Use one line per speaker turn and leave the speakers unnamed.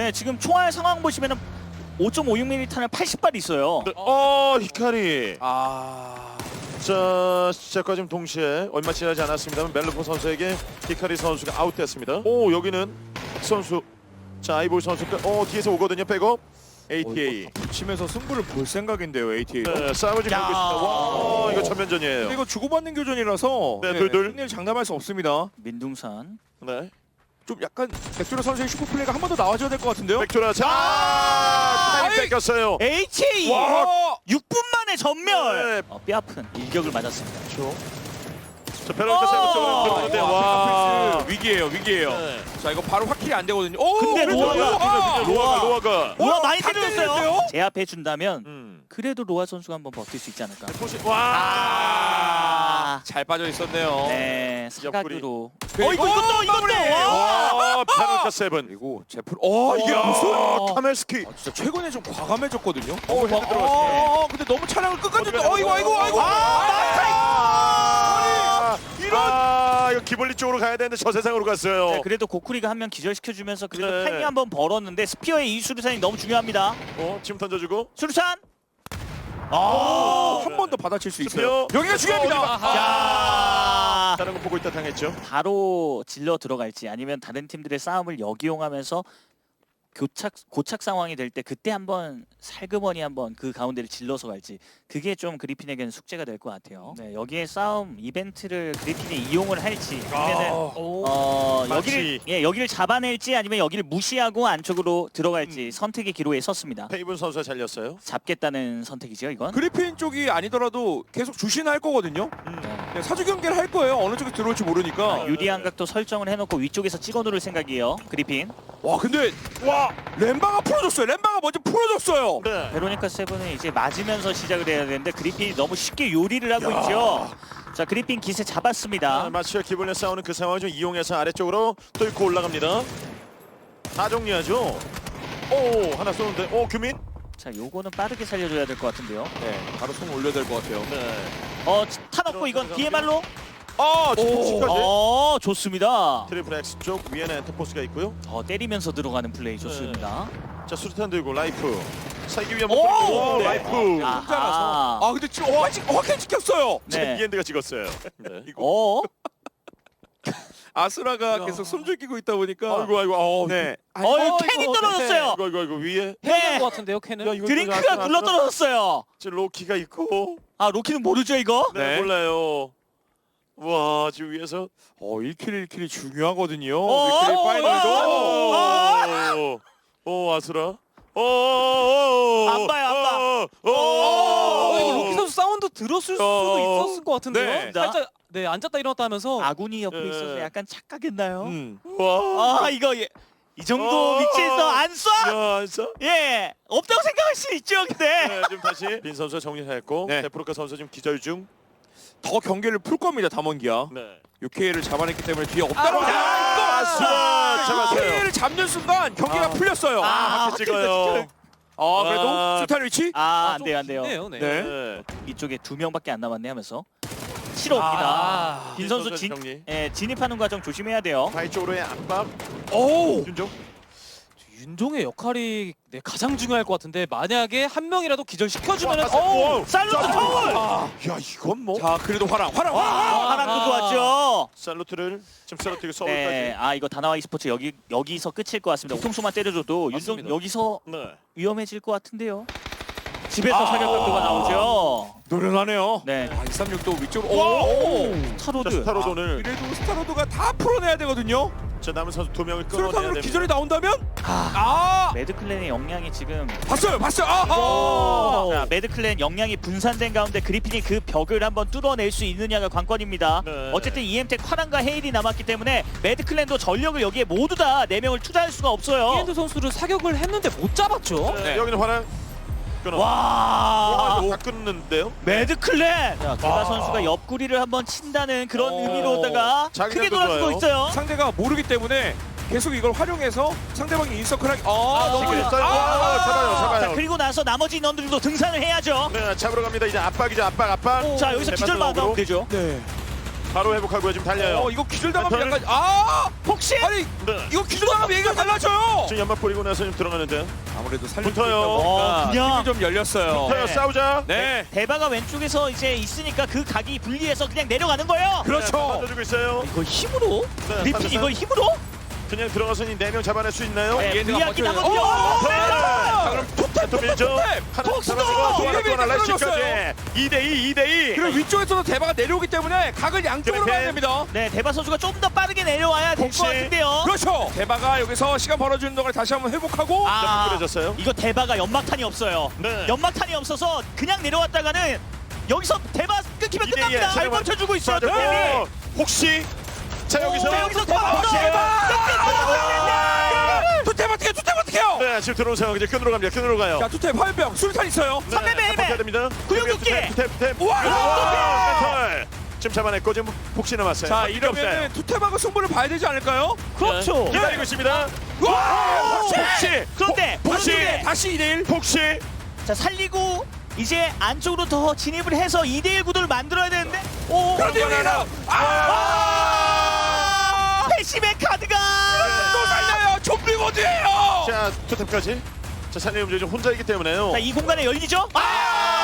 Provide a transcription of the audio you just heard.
네, 지금 총알 상황 보시면은 5.56mm 탄을 80발 있어요.
네. 히카리. 자, 시작과 지금 동시에 얼마 지나지 않았습니다만 멜로포 선수에게 히카리 선수가 아웃됐습니다. 오, 여기는 선수. 자, 아이볼 선수가 뒤에서 오거든요. 백업. ATA.
치면서 승부를 볼 생각인데요, ATA.
네, 싸움을 지금 하고 있습니다. 와, 이거 전면전이에요.
근데 이거 주고받는 교전이라서
네, 둘.
승리를 장담할 수 없습니다.
민둥산.
네.
좀 약간 백조라 선수의 슈퍼플레이가 한 번 더 나와줘야 될 것 같은데요?
백조라. 자, 타임 뺏겼어요.
HA
와!
6분 만에 전멸.
네.
뼈 아픈 일격을 맞았습니다.
그렇죠. 자, 베로니카 세븐 쪽으로 들어오는데 와.
와, 위기예요, 위기예요.
네.
자, 이거 바로 확킬이 안 되거든요. 오,
근데
그래도
로아가.
로아 많이
다
때렸어요.
때리는데요?
제압해 준다면 그래도 로아 선수가 한번 버틸 수 있지 않을까.
와.
잘 빠져 있었네요.
네, 사각으로.
이것도
와, 베로니카 세븐.
그리고 제풀. 이게
와.
무슨?
카멜스키.
진짜 최근에 좀 과감해졌거든요.
헤드 들어갔어요.
근데 너무 차량을 끝까지.
어디가
아이고.
이거 기블리 쪽으로 가야 되는데 저 세상으로 갔어요.
네, 그래도 고쿠리가 한 명 기절시켜주면서 그래도
네.
타이밍 한번 벌었는데 스피어의 이 수류탄이 너무 중요합니다.
지금 던져주고.
수류탄.
한 번 더 받아칠 수 있어요.
스피어.
여기가 중요합니다.
자,
다른 거 보고 있다 당했죠.
바로 질러 들어갈지 아니면 다른 팀들의 싸움을 역이용하면서 고착 상황이 될 때 그때 한번 살그머니 한번 그 가운데를 질러서 갈지 그게 좀 그리핀에게는 숙제가 될 것 같아요. 네, 여기에 싸움 이벤트를 그리핀이 이용을 할지 아니면은
마치.
여기를 잡아낼지 아니면 여기를 무시하고 안쪽으로 들어갈지 선택의 기로에 섰습니다.
페이븐 선수가 잘렸어요.
잡겠다는 선택이죠, 이건.
그리핀 쪽이 아니더라도 계속 주신할 거거든요. 네, 사주 경기를 할 거예요. 어느 쪽에 들어올지 모르니까.
유리한 각도 설정을 해놓고 위쪽에서 찍어 누를 생각이에요, 그리핀.
와, 근데 렘바가 풀어줬어요. 렘바가 먼저 풀어줬어요.
네.
베로니카 세븐은 이제 맞으면서 시작을 해야 되는데 그리핀이 너무 쉽게 요리를 하고 있죠. 자, 그리핀 기세 잡았습니다.
마치와 기블리 싸우는 그 상황을 좀 이용해서 아래쪽으로 뚫고 올라갑니다. 다 정리하죠. 오, 하나 쏘는데. 규민.
자, 요거는 빠르게 살려줘야 될 것 같은데요.
네, 바로 손 올려야 될 것 같아요.
네.
타놓고 이건 DMR로.
지금까지.
좋습니다.
트리플 X 쪽 위에는 엔터포스가 있고요.
때리면서 들어가는 플레이 좋습니다.
자, 수류탄 들고 라이프. 살기 위한
오!
목표.
네.
라이프.
아하.
근데 지금 확실히 찍혔어요.
네.
이엔드가 찍었어요. 네.
아수라가 계속 숨죽이고 있다 보니까.
아이고.
네.
캔이 떨어졌어요.
이거 위에.
네.
것 같은데요, 캔은?
야, 이거
드링크가 굴러 떨어졌어요.
지금 로키가 있고.
로키는 모르죠, 이거?
네,
네.
몰라요. 와, 지금 위에서
1킬 중요하거든요.
어,
1킬
어,
파이널도.
아수라.
안 봐요.
이거 로키 선수 사운드 들었을 수도 있었을 것 같은데요.
네.
살짝 앉았다 일어났다 하면서
아군이 옆에
네.
있어서 약간 착각했나요?
와.
이거 이 정도 위치에서 안 쏴?
야, 안써?
예, 없다고 생각할 수 있죠, 근데.
네, 지금 다시 빈 선수 정리했고
네.
데프로카 선수 지금 기절 중.
더 경기를 풀 겁니다, 담원기야.
네.
6K를 잡아냈기 때문에 뒤에 없다고.
아수라 잡았어요.
6K를 잡는 순간 경기가 풀렸어요.
이렇게 찍어요.
그래도 수탄 위치?
안 돼요.
좋네요, 네.
네.
네.
이쪽에 2명밖에 안 남았네 하면서 치러 옵니다. 빈 선수
정리.
진입하는 과정 조심해야 돼요.
바이 쪽으로의 압박.
오!
윤종.
윤종의 역할이 가장 중요할 것 같은데 만약에 한 명이라도 기절시켜주면
살루트 파울!
야, 이건 뭐?
자, 그래도 화랑.
하랑도 좋았죠.
살루트를 지금 살루트가 서울까지.
네, 이거 다나와 e스포츠 여기서 끝일 것 같습니다. 뒤통수만 때려줘도 윤종
맞습니다.
여기서
네.
위험해질 것 같은데요. 집에서 사격 각도가 나오죠.
노련하네요.
네,
236도 위쪽으로.
오!
스타로드.
스타로돈을
그래도 스타로드가 다 풀어내야 되거든요.
자, 남은 선수 2명을 끌어내야
수류탄으로
됩니다.
기절이 나온다면?
매드클랜의 역량이 지금
봤어요.
자, 매드클랜 역량이 분산된 가운데 그리핀이 그 벽을 한번 뚫어낼 수 있느냐가 관건입니다.
네.
어쨌든 EM텍 화랑과 헤일이 남았기 때문에 매드클랜도 전력을 여기에 모두 다 4명을 투자할 수가 없어요.
이엔드 선수를 사격을 했는데 못 잡았죠.
네.
네.
여기는 화랑. 끊어.
와,
다 끊는데요?
매드클랜! 자, 두바 선수가 옆구리를 한번 친다는 그런 의미로다가
자기들도
크게 돌아서고
좋아요.
있어요.
상대가 모르기 때문에 계속 이걸 활용해서 상대방이 인서클 하기.
너무
잡아요.
자, 그리고 나서 나머지 인원들도 등산을 해야죠.
네, 잡으러 갑니다. 이제 압박이죠. 압박.
자, 여기서 기절
네,
막아도 되죠.
네.
바로 회복하고요. 지금 달려요.
이거 기절당하면
멘탈.
약간
혹시
아니
네.
이거 기절당하면 얘기가 달라져요.
지금 연막 뿌리고 나서 지금 들어가는데.
아무래도 살릴 수
붙어요.
있다 보니까
그냥.
힘이 좀 열렸어요.
붙어요. 싸우자.
네.
대바가 왼쪽에서 이제 있으니까 그 각이 분리해서 그냥 내려가는 거예요.
그렇죠.
만져주고 있어요.
이거 힘으로?
네,
리핀
삼삼삼.
이거 힘으로?
그냥 들어가서 이 4명 잡아낼 수 있나요?
네,
얘네가
불리하긴
버텨요.
하거든요.
자, 그럼 투탭
또 밀죠. 하나
폭스도!
잡아주고 또 하나 또 하나
떨어졌어요.
라이시까지 2대2 2대2.
그리고 위쪽에서도 대바가 내려오기 때문에 각을 양쪽으로
그래,
가야 됩니다.
네, 대바 선수가 좀 더 빠르게 내려와야 될
혹시-
것 같은데요.
그렇죠. 대바가 여기서 시간 벌어주는 동안 다시 한번 회복하고
뿌려졌어요.
이거 대바가 연막탄이 없어요.
네.
연막탄이 없어서 그냥 내려왔다가는 여기서 대바 끊기면
2대2 에
끝납니다. 잘
잠깐만.
버텨주고 있어요.
빠졌고.
네.
혹시 자 여기서
자, 여기서 대바
투탭 어떻게 투탭 어떻게요?
네 지금 들어온 상황 이제 끈으로 갑니다. 끈으로 가요.
자 투탭 화염병 술탄 있어요.
네,
300 매,
버텨야 됩니다.
구형극기!
탭.
우와!
멘털. 지금 잡아냈고 지금 혹시 남았어요.
자 이러면은 투탭하고 승부를 봐야 되지 않을까요?
그렇죠.
기다리고 있습니다.
와!
혹시
그런데
혹시
오른쪽에
다시 2대1.
혹시
자 살리고 이제 안쪽으로 더 진입을 해서 2대1 구도를 만들어야 되는데 오
그런데 여기서
패시백 카드가
또 살려요. 좀비 모드예요.
자 투탭까지 자 산림 움직이 좀 혼자이기 때문에요.
자 이 공간에 열리죠?
아!